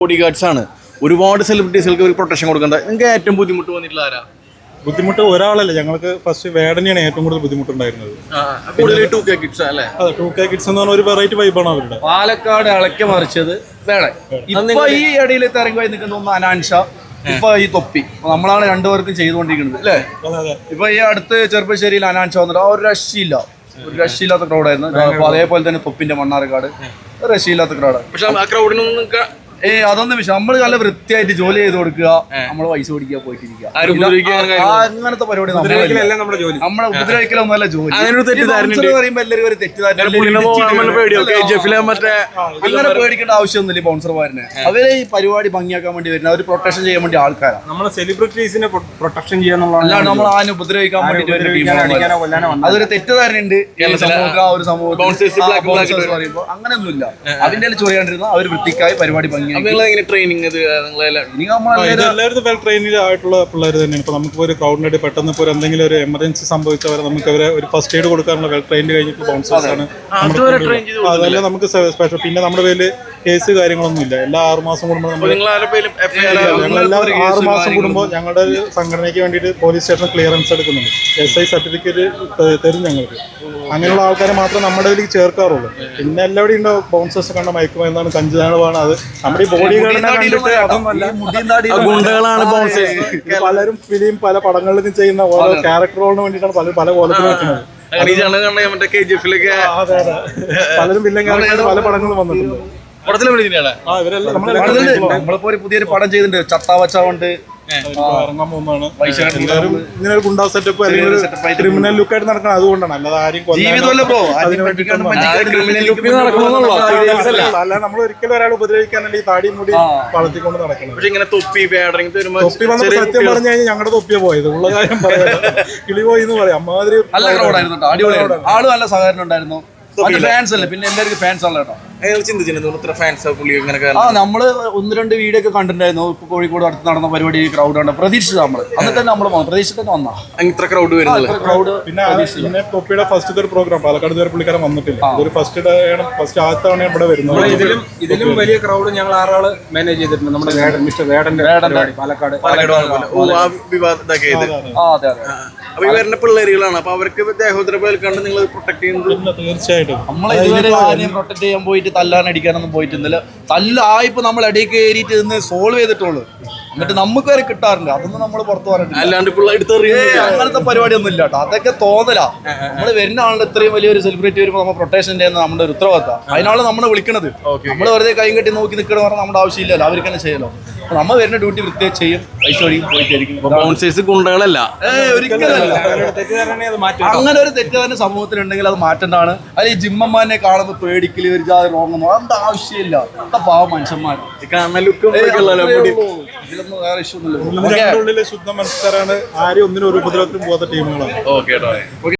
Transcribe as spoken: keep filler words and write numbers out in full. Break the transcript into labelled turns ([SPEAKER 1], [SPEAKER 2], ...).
[SPEAKER 1] Body guards ആണ്. ഒരുപാട് സെലിബ്രിറ്റീസുകൾക്ക് ഒരു പ്രൊട്ടക്ഷൻ കൊടുക്കേണ്ടത്. നിങ്ങൾക്ക് ഏറ്റവും ബുദ്ധിമുട്ട് വന്നിട്ടുള്ള ആരാ?
[SPEAKER 2] ബുദ്ധിമുട്ട് ഒരാളല്ല, ഞങ്ങൾക്ക് ഫസ്റ്റ് വേടനെയാണ് ഏറ്റവും കൂടുതൽ ബുദ്ധിമുട്ടുണ്ടായിരുന്നത്.
[SPEAKER 1] ടു കെ കിഡ്സ് അല്ലേ?
[SPEAKER 2] അതെ, ടു കെ കിഡ്സ് എന്ന് പറഞ്ഞ ഒരു വെറൈറ്റി വൈബാണ് അവരുടെ.
[SPEAKER 3] പാലക്കാട് ഇളക്കി മറിച്ചത് വേണം. ഇപ്പൊ ഈ ഇടയിൽ തിരങ്ങി നിൽക്കുന്ന ഒന്ന് അനാൻഷ, ഇപ്പൊ ഈ തൊപ്പി നമ്മളാണ് രണ്ടുപേർക്കും ചെയ്തുകൊണ്ടിരിക്കുന്നത് അല്ലേ? ഇപ്പൊ ഈ അടുത്ത് ചെറുപ്പശ്ശേരിയിൽ അനാൻഷ വന്നിട്ട് ആ ഒരു രക്ഷയില്ല, ഒരു രക്ഷയില്ലാത്ത ക്രൗഡായിരുന്നു. അപ്പൊ അതേപോലെ തന്നെ തൊപ്പിന്റെ മണ്ണാർക്കാട് രക്ഷയില്ലാത്ത ക്രൗഡാണ്.
[SPEAKER 1] പക്ഷെ ആ ക്രൗഡിനൊന്നും
[SPEAKER 3] ഏയ് അതൊന്നും വിഷയം. നമ്മള് നല്ല വൃത്തിയായിട്ട് ജോലി ചെയ്ത് കൊടുക്കുക, നമ്മള് പൈസ പിടിക്കുക, പോയിട്ടിരിക്കുക, അങ്ങനത്തെ പരിപാടി നമ്മളെ ഉപദ്രവിക്കലൊന്നും അല്ല ജോലി. പറയുമ്പോ എല്ലാവരും ഒരു തെറ്റിദ്ധാരണ, അങ്ങനെ പേടിക്കേണ്ട ആവശ്യമൊന്നുമില്ല. ബൗൺസർമാരനെ അവരെ ഈ പരിപാടി ഭംഗിയാക്കാൻ വേണ്ടി വരുന്ന ഒരു പ്രൊട്ടക്ഷൻ ചെയ്യാൻ വേണ്ടി ആൾക്കാരാണ്.
[SPEAKER 2] നമ്മളെ സെലിബ്രിറ്റീസിനെ പ്രൊട്ടക്ഷൻ ചെയ്യാൻ,
[SPEAKER 3] അല്ലാണ്ട് നമ്മൾ ആരും ഉപദ്രവിക്കാൻ വേണ്ടിട്ട് അതൊരു തെറ്റിദ്ധാരണയുണ്ട് ആ ഒരു സമൂഹത്തിൽ പറയുമ്പോ. അങ്ങനെയൊന്നുമില്ല. അതിന്റെ ചൊറിയാണ്ടിരുന്ന അവർ വൃത്തിക്കായി പരിപാടി ഭംഗി
[SPEAKER 1] ട്രെയിനിങ്
[SPEAKER 2] എല്ലാവരും വെൽ ട്രെയിനിങ് ആയിട്ടുള്ള പിള്ളേർ തന്നെയാണ്. ഇപ്പൊ നമുക്ക് ഒരു ക്രൗഡിനായിട്ട് പെട്ടെന്ന് ഇപ്പോൾ എന്തെങ്കിലും ഒരു എമർജൻസി സംഭവിച്ചവരെ നമുക്ക് അവരെ ഒരു ഫസ്റ്റ് എയ്ഡ് കൊടുക്കാനുള്ള വെൽ ട്രെയിൻഡ് കഴിഞ്ഞിട്ട് ബൗൺസേഴ്സ് ആണ്. അതെല്ലാം നമുക്ക് സ്പെഷ്യൽ. പിന്നെ നമ്മുടെ പേരിൽ കേസ് കാര്യങ്ങളൊന്നും ഇല്ല. എല്ലാ ആറ് മാസം കൂടുമ്പോൾ നമ്മൾ ഞങ്ങളെല്ലാവരും ആറ് മാസം കൂടുമ്പോൾ ഞങ്ങളുടെ ഒരു സംഘടനയ്ക്ക് വേണ്ടിയിട്ട് പോലീസ് സ്റ്റേഷൻ ക്ലിയറൻസ് എടുക്കുന്നുണ്ട്. എസ് ഐ സർട്ടിഫിക്കറ്റ് തരും ഞങ്ങൾക്ക്. അങ്ങനെയുള്ള ആൾക്കാരെ മാത്രമേ നമ്മുടെ ഇതിലേക്ക് ചേർക്കാറുള്ളൂ. പിന്നെ എല്ലാവരും ഉണ്ടോ ബൗൺസേഴ്സ് കണ്ട മയക്കുമരുന്നാണ്, കഞ്ചാവാണ്. അത് നമ്മുടെ ഈ ബോഡി ഗാർഡിനെ കണ്ടിട്ട് അതൊന്നല്ല, ഗുണ്ടകളാണ് ബൗൺസേഴ്സ്. പലരും ഫിലിം പല പടങ്ങളിലും ചെയ്യുന്ന ഓരോ ക്യാരക്ടറുകളിന് വേണ്ടിയിട്ടാണ് പല പല കോലത്തിൽ വെക്കുന്നത്. പലരും വില്ലൻ ക്യാരക്ടർ പല പടങ്ങളും വന്നിട്ടുണ്ട്.
[SPEAKER 3] നമ്മളിപ്പോ ഒരു പുതിയൊരു പടം ചെയ്തിട്ടുണ്ട്, ചത്താവച്ചുണ്ട്
[SPEAKER 2] ഇറങ്ങാൻ പോകുന്നതാണ്. എല്ലാവരും ഇങ്ങനെ ഒരു ഗുണ്ടാ സെറ്റപ്പ് അല്ലെങ്കിൽ ക്രിമിനൽ ലുക്കായിട്ട് നടക്കണം. അതുകൊണ്ടാണ്, അല്ലാതെ ആരും അല്ല നമ്മൾ ഒരിക്കലും ഒരാൾ ഉപദ്രവിക്കാനല്ല ഈ താടി മുടി വളർത്തിക്കൊണ്ട് നടക്കണം. തൊപ്പി വന്നപ്പോ സത്യം പറഞ്ഞു കഴിഞ്ഞാൽ ഞങ്ങളുടെ തൊപ്പിയാ പോയത്. ഉള്ള കാര്യം പറയാം, കിളി പോയി എന്ന് പറയാം. അമ്മാതിരി
[SPEAKER 3] ആള് നല്ല സഹകരണം ഉണ്ടായിരുന്നു. ഫാൻസ് അല്ലേ, പിന്നെ എല്ലാവർക്കും ഫാൻസ് ആണ് കേട്ടോ. ആ നമ്മള് ഒന്ന് രണ്ട് വീഡിയോ ഒക്കെ കണ്ടിട്ടുണ്ടായിരുന്നു. ഇപ്പൊ കോഴിക്കോട് അടുത്ത് നടന്ന പരിപാടി ക്രൗഡ് ഉണ്ട്. പ്രതീക്ഷിച്ചത് നമ്മള് എന്നിട്ട് തന്നെ നമ്മള് പ്രതീക്ഷിച്ചിട്ട് തന്നെ വന്നാ
[SPEAKER 1] ഇത്ര ക്രൗഡ് വരുന്നത്.
[SPEAKER 3] ക്രൗഡ്
[SPEAKER 2] പിന്നെ പിന്നെ തൊപ്പിയുടെ ഫസ്റ്റ് ഒരു പ്രോഗ്രാം പാലക്കാട് ഇതുവരെ പുള്ളിക്കാരൻ വന്നിട്ടില്ല. അതൊരു ഫസ്റ്റ് ഡേ ആണ്, ഫസ്റ്റ് ആദ്യത്തെ തവണ ഇവിടെ വരുന്നത്.
[SPEAKER 4] ഇതിലും ഇതിലും വലിയ ക്രൗഡ് ഞങ്ങൾ ആറാള് മാനേജ് ചെയ്തിട്ടുണ്ട്. നമ്മുടെ വേടൻ മിസ്റ്റർ വേടന്റെ പാലക്കാട്
[SPEAKER 1] അപ്പൊ ഈ വരുന്ന പിള്ളേരുകളാണ്. അപ്പൊ അവർക്ക് ദേഹോദ്രവം കണ്ട് നിങ്ങൾ പ്രൊട്ടക്ട് ചെയ്യുന്നത്
[SPEAKER 2] തീർച്ചയായിട്ടും.
[SPEAKER 3] നമ്മളെ ഇതുവരെ ആരെയും പ്രൊട്ടക്ട് ചെയ്യാൻ പോയിട്ട് തല്ലാൻ അടിക്കാനൊന്നും പോയിട്ടില്ല. തല്ലായിപ്പോ നമ്മൾ ഇടയിൽ കയറിയിട്ട് ഇന്ന് സോൾവ് ചെയ്തിട്ടുള്ളൂ. എന്നിട്ട് നമുക്ക് വരെ കിട്ടാറുണ്ട്. അതൊന്നും നമ്മൾ പുറത്തു പറഞ്ഞില്ല.
[SPEAKER 1] അല്ലാണ്ട്
[SPEAKER 3] അങ്ങനത്തെ പരിപാടി ഒന്നും ഇല്ല കേട്ടോ. അതൊക്കെ തോന്നലാ. നമ്മള് വരുന്ന ആളുടെ ഇത്രയും വലിയൊരു സെലിബ്രിറ്റി വരുമ്പോൾ നമ്മൾ പ്രൊട്ടക്ഷൻ ചെയ്യുന്ന നമ്മുടെ ഒരു ഉത്തരവാദിത്തം. അതിനാണ് നമ്മളെ വിളിക്കണത്. നമ്മൾ വെറുതെ കൈ കെട്ടി നോക്കി നിൽക്കണം പറഞ്ഞാൽ നമ്മുടെ ആവശ്യമില്ലല്ലോ, അവർക്ക് തന്നെ ചെയ്യലോ. നമ്മൾ വരുന്ന ഡ്യൂട്ടി വൃത്തിയായി ചെയ്യും, പൈസ ഒഴിയും, പോയിട്ടായിരിക്കും.
[SPEAKER 1] ഗുണ്ടകളല്ല,
[SPEAKER 3] ഒരിക്കലല്ല. അങ്ങനെ ഒരു തെറ്റുകാരൻ സമൂഹത്തിലുണ്ടെങ്കിൽ അത് മാറ്റേണ്ടതാണ്. അതിൽ ഈ ജിമ്മന്മാരെ കാണുമ്പോൾ പേടിക്കല് ഒരു ജാതി റോങ്ങുന്നു, അതിന്റെ ആവശ്യമില്ല. പാവ മനുഷ്യന്മാർ ഇതിലൊന്നും വേറെ ഇഷ്യൂ ഒന്നുമില്ല.
[SPEAKER 2] ശുദ്ധ മനസ്സരാണ്. ആരും ഒന്നിനും ഒരു ഉപദ്രവത്തിനും പോകാത്ത ടീമുകളാണ്.
[SPEAKER 1] ഓക്കെ.